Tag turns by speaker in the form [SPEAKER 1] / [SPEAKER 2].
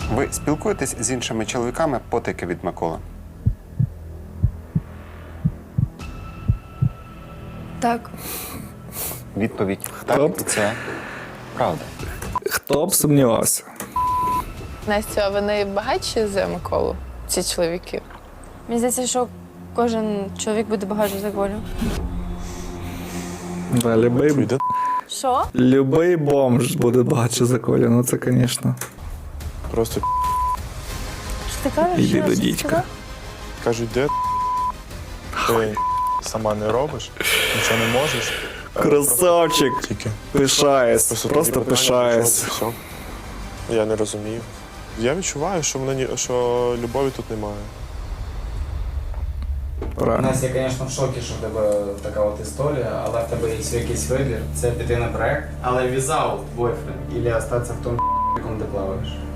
[SPEAKER 1] Ви спілкуєтесь з іншими чоловіками потайки від Миколи?
[SPEAKER 2] Так.
[SPEAKER 1] Відповідь так, і це правда.
[SPEAKER 3] Хто б сумнівався?
[SPEAKER 4] Настя, а вони багатші за Миколу, ці чоловіки?
[SPEAKER 2] Мені здається, що кожен чоловік буде багатший за Колю.
[SPEAKER 3] Да,
[SPEAKER 2] Що?
[SPEAKER 3] любий бомж буде багатше за Колю, ну це, звісно.
[SPEAKER 5] Просто
[SPEAKER 2] Що ти кажеш?
[SPEAKER 3] Іди
[SPEAKER 2] Що
[SPEAKER 3] до
[SPEAKER 2] ти
[SPEAKER 3] дідька.
[SPEAKER 2] сказав?
[SPEAKER 5] кажуть, де ти сама не робиш, нічого не можеш.
[SPEAKER 3] Красавчик!
[SPEAKER 5] Тільки.
[SPEAKER 3] Пишаюсь,
[SPEAKER 5] Просто
[SPEAKER 3] просто
[SPEAKER 5] такі питання,
[SPEAKER 3] пишаюсь.
[SPEAKER 5] що, все. Я не розумію. Я відчуваю, що любові тут немає.
[SPEAKER 3] Правильно.
[SPEAKER 6] Настя, я, звісно, в шокі, що в тебе така от історія, але в тебе є якийсь вибір. Це піти на проект, але візаут бойфренд, або остатися в тому, якому ти плаваєш.